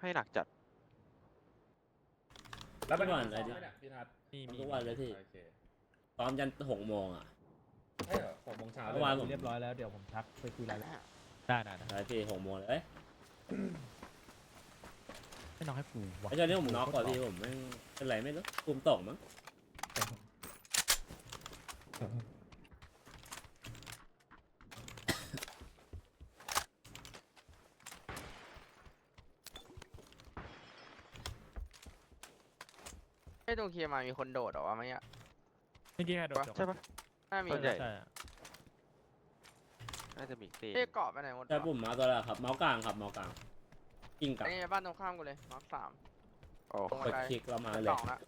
ให้หนักจัดแล้วเป็นวันอะไรดิพี่ทัศน์ทุกวันเลยพี่ซ้อมยัน6 โมงอ่ะใช่เหรอ6 โมงเช้าเมื่อวานผมเรียบร้อยแล้วเดี๋ยวผมทักไปคุยรายละเอียดได้ใช่พี่6 โมงเลยให้น้องให้ปูวะไอ้เจ้านี่ผมน็อกกว่าพี่ผมไม่เป็นไรไม่รู้ภูมิตกมั้งไอ้ตรงเคลียร์มามีคนโดดเหรอวะเมื่อกี้เมื่อกี้ใครโดดใช่ปะน่ามีส่วนใหญ่ใช่น่าจะมีตีเอ้ยเกาะไปไหนหมดใช่วะปุ่มเมาส์ตัวละครับเมาส์กลางครับเมาส์กลางกิ้งกลัอับนนี้บ้านตรงข้ามกูเลยมาร์ค3 โอ้ตรงกบัดนไดคลิกแล้วมาชั้นเลสยองละ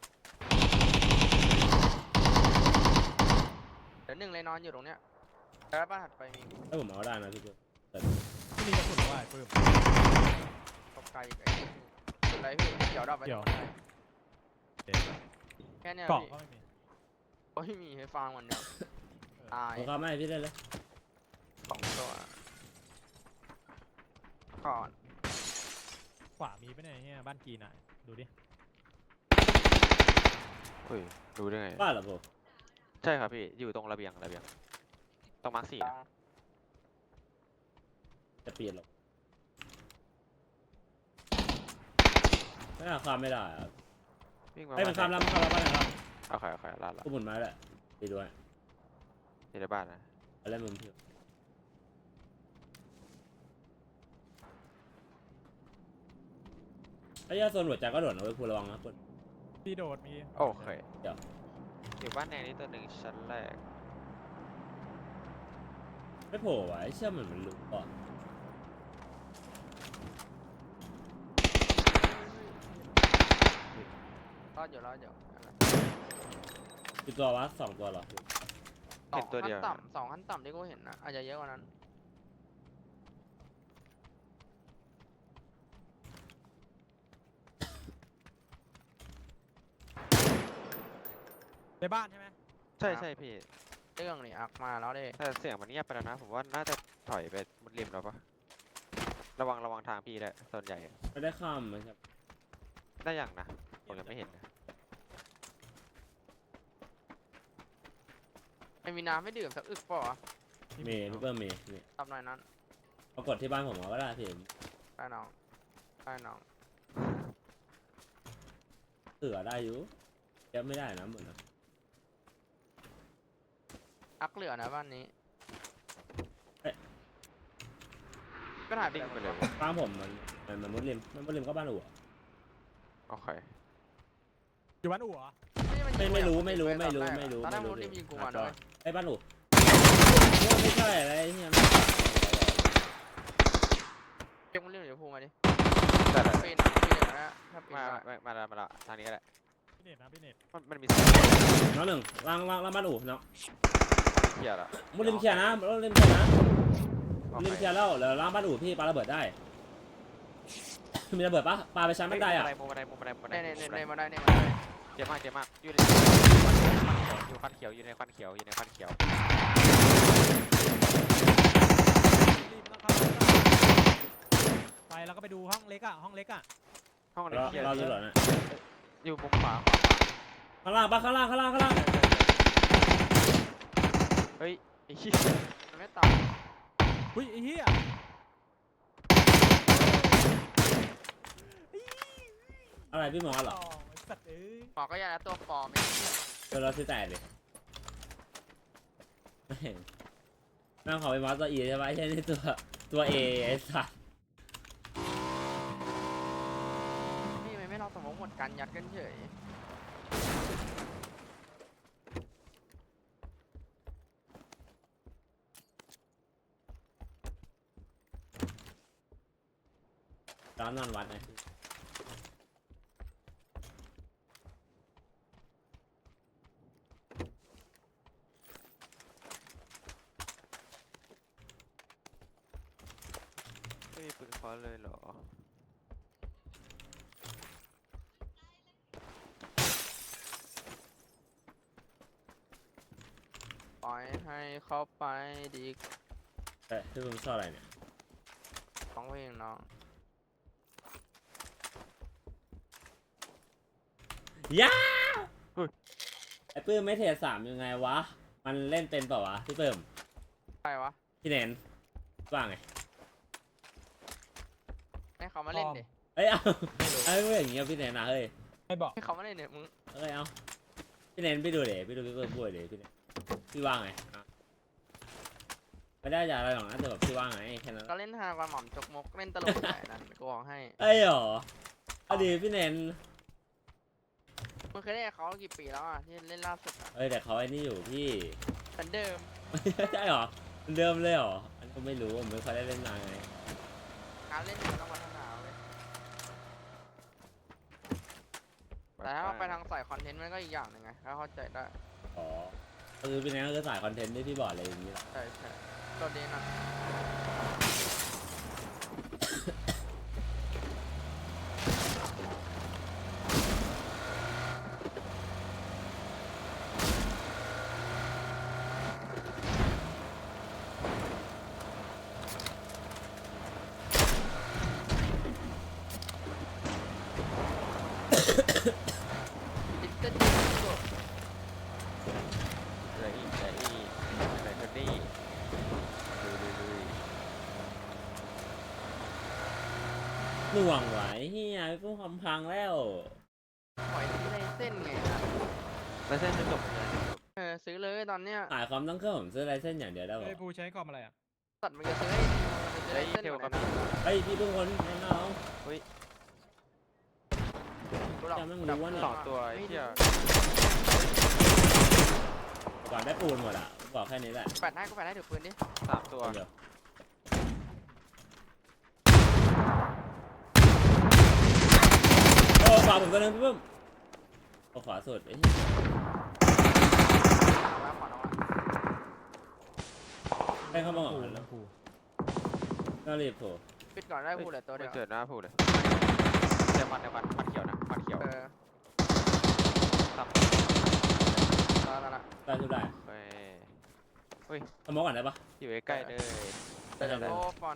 เดี๋ยวหนึ่งเลยนอนอยู่ตรงเนี้ยแล้วบ้านถัดไปมีถ้าผมเอาได้นะพี่เจ้าที่นี่กระสุนว่าไอ้ปื้มตกไกลอีกไอ้สุดไรพี่เดี๋ยวดับไปเดี๋ยวตรงบันไดแค่เนี้ยเกาะพี่ก็ไม่มีโอ้ยมีให้ฟังมันเดียวตายผมก็ไม่ให้พี่ได้เลย 2 ตัวก่อนขวามีไปไหนเนี่ยบ้านกีน่ะดูดิเฮ้ยรู้ได้ไงบ้านเหรอผมใช่ครับพี่อยู่ตรงระเบียงตรงมาร์ค4นะจะเปลี่ยนหรอกไม่น่าข้ามไม่ได้อะวิ่งมาให้มันข้ามแล้วมันข้ามแล้วบ้านไหนครับโอเคลาดละกูหมุนไม้แหละดีด้วยอยู่ในบ้านนะอะไรมุมพี่ไอ้ยาโซนหัวใจก็โดดนะเว้ยคุณระวังนะคุณพี่โดดมีโอเคอยู่บ้านแดงนี่ตัวหนึ่งชั้นแรกไม่โผล่วะไอ้เชื่อมันรู้ก่อนรอดอยู่นั่นแหละกี่ตัววะ2 ตัวเหรอเห็นตัวเดียวสองขั้นต่ำที่กูเห็นนะอาจจะเยอะกว่านั้นในบ้านใช่ไหมใช่พี่เรื่องนี่อักมาแล้วเด้แต่เสียงมันเงียบไปแล้วนะผมว่าน่าจะถอยไปมุดริมแล้วปะระวังทางพี่ด้วยส่วนใหญ่ไม่ได้ข้ามมันครับได้อย่างนะผมยังไม่เห็นนะไม่มีน้ำไม่ดื่มสักอึกเปล่าวะมีพี่เปิ้ลมีนี่ตำหน่อยนั้นปรากฏที่บ้านผมเอาก็ได้พี่ได้น้องได้น้องเสือได้อยู่แกไม่ได้นะหมดนะอักเหลือนะบ้านนี้ก็ถ่ายไปดิ้งไปเลยบ้านผมมันมุดริมมันมุดริมก็บ้านอู่อะโอเคอยู่บ้านอู่เหรอไม่รู้ตอนแรกมันรีบยิงกูมาด้วยไอ้บ้านอู่ไม่ใช่อะไรเนี่ยเก็บมันเรื่องเดี๋ยวพูมาดิได้เลยปีนอย่างนั้นถ้าปีนมาละทางนี้ก็ได้พี่เน็ตนะพี่เน็ตมันมีน้องหนึ่งล่างบ้านอู่เนาะเขียร์ละมุดริมเคลียร์นะมุดริมเคลียร์นะโอมุดริมเคเคลียร์แล้วเดี๋ยวล่างบ้านอู่พี่ปาระเบิดได้มีระเบิดปะปาไปชั้นบันไดอ่ะมุมบันไดในมาได้ในมาได้เจ็บมากอยู่ในควันเขียวอยู่ในควันเขียวรีบต้องเข้าไปแล้วก็ไปดูห้องเล็กอ่ะห้องเล็กอ่ะห้องนี้เราเขียวเราจะหล่นนะอยู่มุมขวาข้างล่างปะข้างล่างเฮ้ยไอ้เหี้ยมันไม่ตายหุ้ยไอ้เหี้ยอะไรพี่หมอเหรอไอ้สัตว์เอ้ยหมอก็ยาแล้วตัวปลอมไม่เดี๋ยวเราซื้อแต่ดิไม่เห็นนั่งขอไปมอสตัว E ใช่ปะไอ้เช่นนี่ตัว A ไอ้สัสนี่ไม่เราสมองหมดกันยัดกันเฉยร้านนอนวัดไงไม่มีปืนเคาะเลยเหรอปล่อยให้เขาไปดีแต่พี่ผมชอบอะไรเนี่ยของเพลงน้องย่าเฮ้ยไอ้ปื้มไม่เทรดสามยังไงวะมันเล่นเป็นเปล่าวะพี่ปื้มใครวะพี่เนนว่าไงให้เขามาเล่นดิเอ้ยเอาไอ้เรื่องอย่างเงี้ยพี่เนนนะเฮ้ยไม่บอกให้เขามาเล่นเนี่ยมึงเอ้ยเอาพี่เนนไปดูเดี๋ยวพี่ดูพี่เพิ่มพูดเดี๋ยวพี่เนนพี่ว่าไงอ่ะไม่ได้จากอะไรหรอกนะแต่แบบพี่ว่าไงแค่นั้นก็เล่นฮากว่าหม่อมจกมกเล่นตลกใหญ่นั่นกูบอกให้เอ้ยหรอเอาดีพี่เนนมึงเคยเล่นกับเขากี่ปีแล้วอ่ะที่เล่นล่าสุดอ่ะเอ้ยแต่เขาไอ้นี่อยู่พี่เหมือนเดิมใช่หรอเหมือนเดิมเลยหรออันก็ไม่รู้ผมไม่ค่อยได้เล่นนานไงการเล่นมันต้องพัฒนาเว้ยแต่ถ้าไปทางสายคอนเทนต์มันก็อีกอย่างหนึ่งไงถ้าเข้าใจได้อ๋อก็คือพี่เนนก็คือสายคอนเทนต์ที่พี่บอกอะไรอย่างนี้แหละใช่ใช่ตัวนี้นะ ลิตเติ้ลดิสโก้เหลืออีกเหลืออีกเหลือคนนี้ดูหน่วงไหวเฮียพี่ปุ้มคำพังแล้วปล่อยที่ในเส้นไงนะแล้วเส้นจะจบยังไงซื้อเลยตอนเนี้ยขายคอมต้องเครื่องผมซื้อไรเส้นอย่างเดียวได้ไอ้ป่ะภูใช้คอมอะไรอ่ะตัดมันจะซื้อให้มันจะไอ้ได้เส้นเทลก่ก็อนมีนะเฮ้ยพี่ทุกคนน้องกูหลอกจะไม่รู้ว่าเนี่ยสองตัวไอ้เหี้ยก่อนได้ปูนหมดอ่ะบอกแค่นี้แหละแปดให้กูแปดให้ถือปืนดิสามตัวเดี๋ยวโอ้ฝากผมตัวนึงพี่ปุ้มโอ้ขวาสุดไอ้มาขวานเอาอะให้เข้ามาก่อนภูแล้วภูน่ารีบโผล่ปิดก่อนได้พูดเลยตัวเดีไม่ยวเกิดหน้าพูดเลยเดี๋ยวมันเขียวนะมันเขียวทำแล้วละได้ทุกได้ไปสมองก่อนได้ปะอยู่ใกล้ๆเลยโอ้ฟอน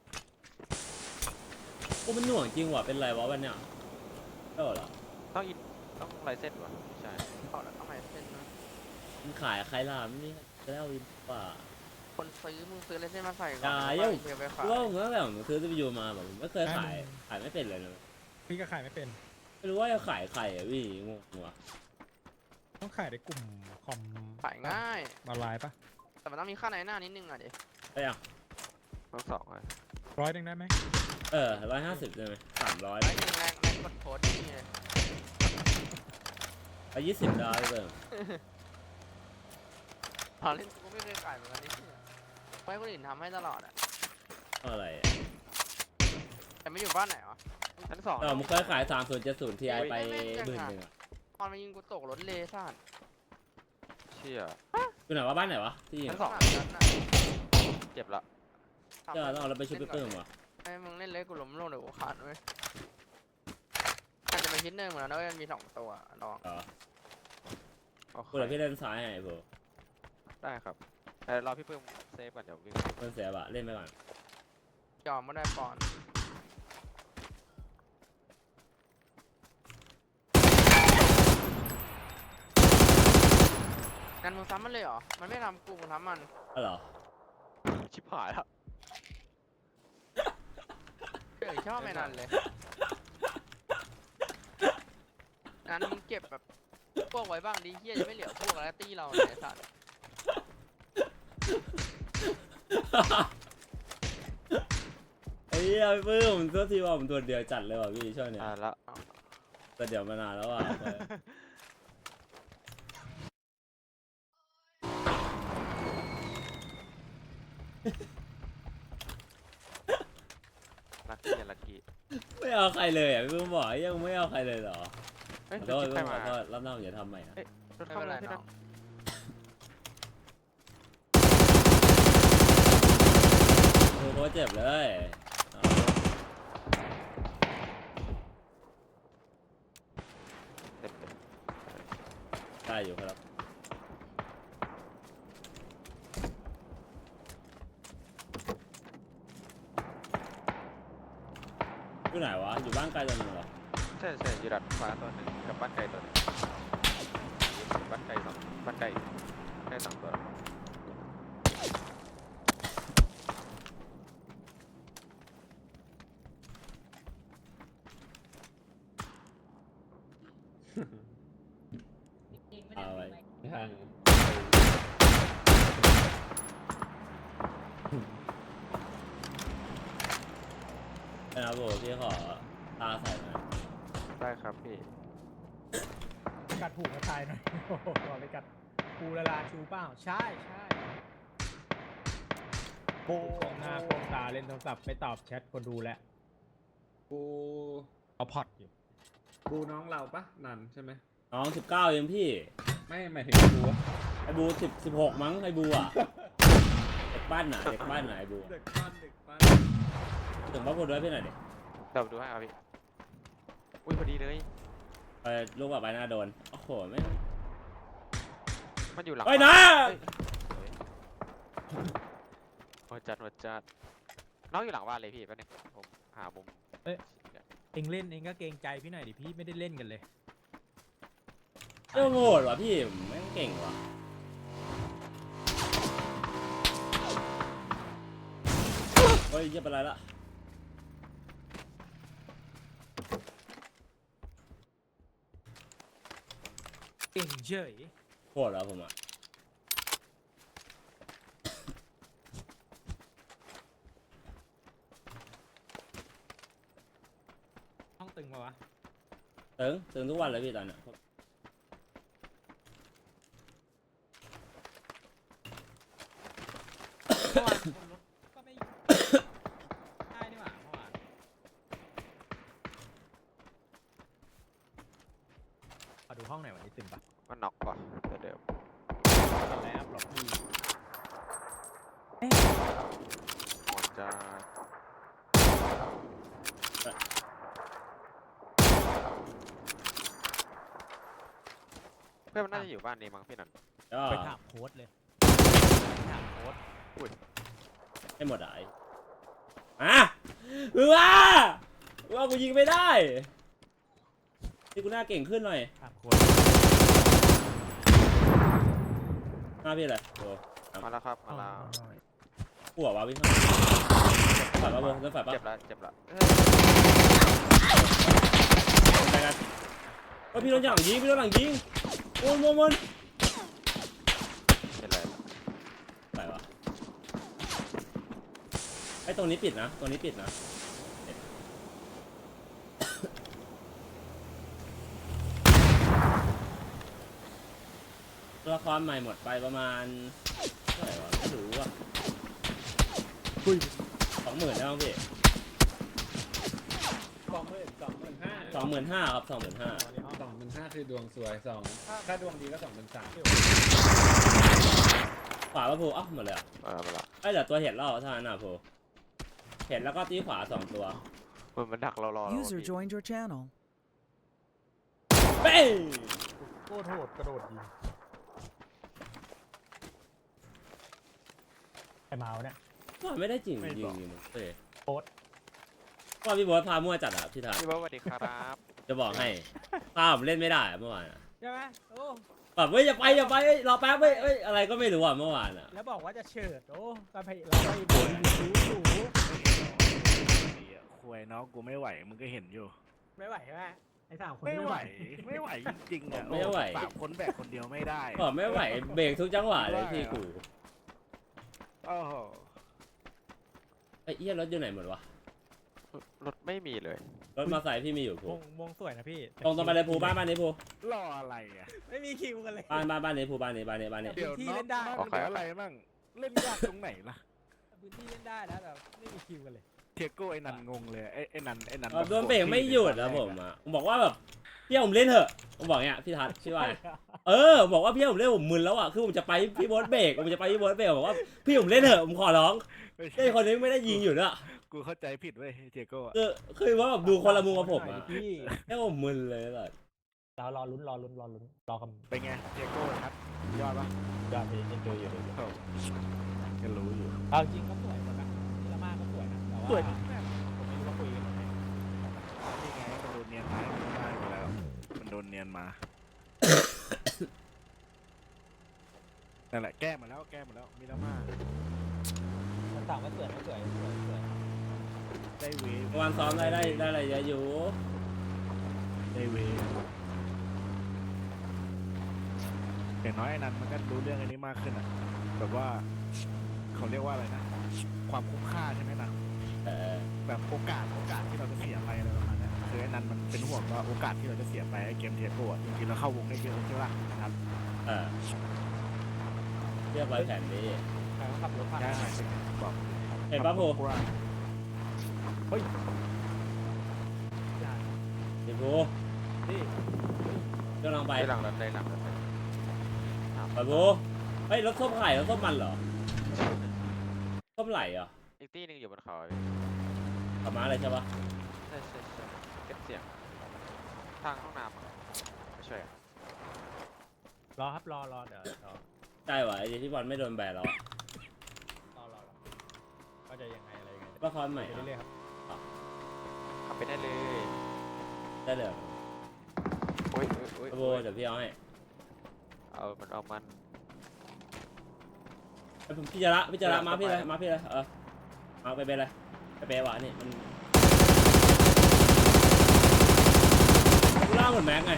โอ้มันหน่วงจริงว่ะเป็นไรวะวันเนี้ยเออเหรอต้องลายเส้นวะไม่ใช่ขอแล้วเอาใหม่เส้นนะมันขายใครล่ะมันนี่แล้ววินป่าคนซื้อมึงซื้อเลยเส้นมาใส่ก่อนอย่าแล้วยุ่งเดี๋ยวไปขายคือว่าผมตั้งแต่ผมซื้อCPUมาแบบผมไม่เคยขายไม่เป็นเลยนะพี่ก็ขายไม่เป็นไม่รู้ว่าจะขายใครอ่ะพี่งงว่ะต้องขายในกลุ่มคอมขายง่ายออนไลน์ปะแต่มันต้องมีค่าในหน้านิดนึงอ่ะดิได้ยังต้องสองเลย 100ได้ไหม 150ใช่ไหม300 ไอ้หนึ่งแรงกดโพสต์นี่เลย $20เติมตอนเล่นกูไม่เคยขายเหมือนกันนี่ไม่ให้คนอื่นทำให้ตลอดอ่ะอะไรแต่ไม่อยู่บ้านไหนวะชั้นสองผมเคยขาย3070 Ti ไป10,000อ่ะตอนมายิงกูตกรถเลซ่านเชี่ยอยู่ไหนวะบ้านไหนวะที่ยิงชั้นสองนั้นน่ะเจ็บละเจ้าต้องเอาเราไปชุบไปเพิ่มวะให้มึงเล่นเลยกูล้มลงเดี๋ยวกูขาดเว้ยอาจจะไปชิ้นหนึ่งเหมือนกันนะเว้ยมันมี2ตัวลองอ๋อโอเคกูเลยพี่เล่นซ้ายไงพวกได้ครับรอพี่เพิ่มเซฟก่อนเดี๋ยววิ่งเล่นเสียบะเล่นไปก่อนยอมไม่ได้ปอนงั้นมึงซ้ำมันเลยเหรอ มันไม่ทำกูมึงทำมันอ๋อเหรอชิบหายละชอบไม่นันเลยงั้นมึงเก็บแบบพวกไว้บ้างดิเฮียจะไม่เหลือพวกแล้วตี้เราเลยไอ้สัตว์ไอ้เหี้ยพี่ปื้มตัวทีว่าผมตัวเดียวจัดเลยว่ะพี่ช่วงเนี้ยละตัวเดียวมานานแล้วอ่ะลักกี้ลักกี้ไม่เอาใครเลยอ่ะพี่ปื้มบอกยังไม่เอาใครเลยเหรอเฮ้ยขอรโทถษจิ๊บใครขมาอโทษรอบหน้าผมจะทำใหม่นะรถไม่เข้าเป็นมาไรพี่น้นัอทงโคตรเจ็บเลยเอาเต็มได้อยู่ครับอยู่ไหนวะอยู่บ้านไกลจังเลยเหรอใช่อยู่ดัดฟ้าตัวหนึ่งกับบ้านไก่ตัวหนึงบ้านไก่สองบ้านไก่สองตัวเอาไว้ทางนะครับผมพี่ขอตาใส่หน่อยได้ครับพี่กัดผูกกระชายหน่อย โอ้โหเอาไปกัดปูละลาชูเปล่าใช่โป้งหน้าโป้งตาเล่นโทรศัพท์ไม่ตอบแชทคนดูแล้วกูเอาพอดอยู่กูน้องเราปะนันใช่ไหมน้อง19เองพี่ไม่หมายถึงกูอะไอ้บู16มั้งไอ้บูอ่ะเด็กบ้านไหนเด็กบ้านไหนไอ้บูเด็กบ้านถึงบ้านพูดด้วยพี่หน่อยดิเดี๋ยวดูให้ครับพี่อุ้ยพอดีเลยไปลูกแบบใบหน้าโดนโอ้โหไม่มันอยู่หลังเฮ้ยนะหัวจัดน้องอยู่หลังบ้านเลยพี่แป๊บนึงผมหามุมเองเล่นเองก็เกรงใจพี่หน่อยดิพี่ไม่ได้เล่นกันเลยเจ้าโง่ว่ะพี่ไม่งเก่งว่ะเฮ้ยเยี่ยเป็นไรละเก่งเฉยโคตรแล้วผมอ่ะต้องตึงมาวะตึงทุกวันเลยพี่ตอนเนี้ยเมื่อวานคนรถก็ไม่ได้นี่หว่าเมื่อวานขอดูห้องไหนวันนี้ตึงปะมันน็อกว่ะตัวเดิมเป็นไรอัพหรอกพี่หัวจัดเพื่อนมันน่าจะอยู่บ้านนี้มั้งพี่นันก็ไปถามโค้ดเลยไปถามโค้ดให้หมดอ่ะไอ้มึงว่ากูยิงไม่ได้ที่กูหน้าเก่งขึ้นหน่อยถามโค้ดหน้าพี่อะไรโอ้มาแล้วครับมาแล้วหัววะพี่ฝ่ายปะโบเล่นฝ่ายปะเจ็บละไปกันเฮ้ยพี่โดนหลังยิงโอ้ยมันเป็นไรไปวะไอ้ตรงนี้ปิดนะละครใหม่หมดไปประมาณเท่าไหร่วะไม่รู้อ่ะ20,000แล้วพี่ 25,000ครับ25,000 25,000คือดวงสวย2ถ้าดวงดีก็2,300 ขวาปะพูหมดเลยอ่ะมาละไอ้เดี๋ยวตัวเห็ดล่อเท่านั้นนะพูเห็ดแล้วก็ตีขวา2 ตัวมันดักเรารอ User joined your channel. เป้งโคตรโหดกระโดดยิงไอ้เมาส์เนี่ยว่าไม่ได้จริงยิงมึงเอ้ยโบ๊ทว่าพี่โบ๊ทพามั่วจัดอ่ะพี่ทัศน์พี่เบิร์ดสวัสดีครับจะบอกให้พาผมเล่นไม่ได้อะเมื่อวานอะใช่ไหมโอ้แบบเฮ้ยอย่าไปเอ้ยรอแป๊บเอ้ยอะไรก็ไม่รู้อ่ะเมื่อวานอ่ะแล้วบอกว่าจะเฉิดโอ้ก็ไปเราไปบ่นอยู่คุยน้องกูไม่ไหวมึงก็เห็นอยู่ไม่ไหวใช่ไหมไอ้สามคนไม่ไหวไม่ไหวจริงๆอ่ะไม่ไหวสามคนแบกคนเดียวไม่ได้บอกไม่ไหวเบรกทุกจังหวะเลยพี่กูโอ้โหไอ้เอี้ยรถอยู่ไหนหมดวะรถไม่มีเลยรถมาใส่พี่มีอยู่พูวงสวยนะพี่ตรงไปเลยพูบ้านนี้พูรออะไรอ่ะไม่มีคิวกันเลยบ้านนี้พูบ้านนี้เดี๋ยวที่น้องเล่นได้น้องเหลืออะไรบ้างเล่นยากตรงไหนล่ะพื้นที่เล่นได้นะแต่ไม่มีคิวกันเลยเทียโก้ไอ้นันงงเลยไอ้นันโดนเบรกไม่หยุดแล้วผมอ่ะผมบอกว่าแบบพี่ผมเล่นเถอะผมบอกเนี้ยพี่ทัศน์ชื่อว่าผมบอกว่าพี่ผมเล่นผมมึนแล้วอ่ะคือผมจะไปพี่โบ๊ทเบรกผมจะไปพี่โบ๊ทเบรกบอกว่าพี่ผมเล่นเถอะผมขอร้องไม่ไอ้คนนี้ไม่ได้ยิงอยู่ด้วยกูเข้าใจผิดเว้ยเทียโก้อะคือว่าแบบดูคนละมุมกับผมอ่ะพี่แค่ผมมึนเลยแบบเรารอลุ้นรอคำเป็นไงเทียโก้ครับยอดปะยอดไปเอ็นจอยอยู่ก็รู้อยู่เอาจริงก็สวยหมดนะนี่ละมากก็สวยนะแต่ว่าสวยผมไม่รู้ว่าคุยกันยังไงนี่ไงก็ดูเนียนไม้เนียนมา นั่นแหละแก้มาแล้วมีแล้วมากมันต่างว่าสวยไม่สวยสวยได้เวฟเมื่อวานซ้อมได้อะไรเยอะอยู่ได้เวฟอย่างน้อยไอ้นันมันก็รู้เรื่องอันนี้มากขึ้นอ่ะแบบว่าเขาเรียกว่าอะไรนะความคุ้มค่าใช่ไหมนะเออแบบโอกาสที่เราจะเสียไปอะไรประมาณนั้นคือไอ้นันมันเป็นห่วงว่าโอกาสที่เราจะเสียไปไอ้เกมเทียโก้อะจริงๆเราเข้าวงได้เยอะใช่ปะนะครับเออเรียบร้อยแผนดีใครเขาขับรถผ่านได้บอกเห็นปะโพเฮ้ยเดี๋ยวโพนี่กำลังไปได้หลังรถได้หลังรถไปโพเฮ้ยรถส้มไข่รถส้มมันเหรอส้มไหลเหรออีกที่หนึงอยู่บนเขาพี่ขับมาอะไรใช่ปะใช่เก็บเสียงทางห้องน้ำอะไม่ใช่อะรอครับรอเดี๋ยวรอได้วะไอ้ที่บอลไม่โดนแบนแล้วอะก็จะยังไงอะไรยังไงก็คอนใหม่ไปเรื่อยๆครับขับไปได้เลยได้เลยเหรอโอ้ยไปโพเดี๋ยวพี่เอาให้เอามันไอ้ผมพี่จะละมาพี่เลยมาไปเป็นเลยไปเปวะนี่มันล่าเหมือนแม็กไง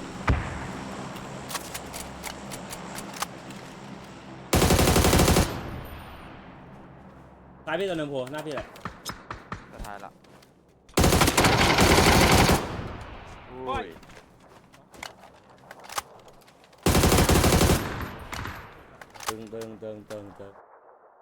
ตายพี่ตัวหนึ่งโผล่หน้าพี่เลยสุดท้ายละโอ้อุ้ยยตึง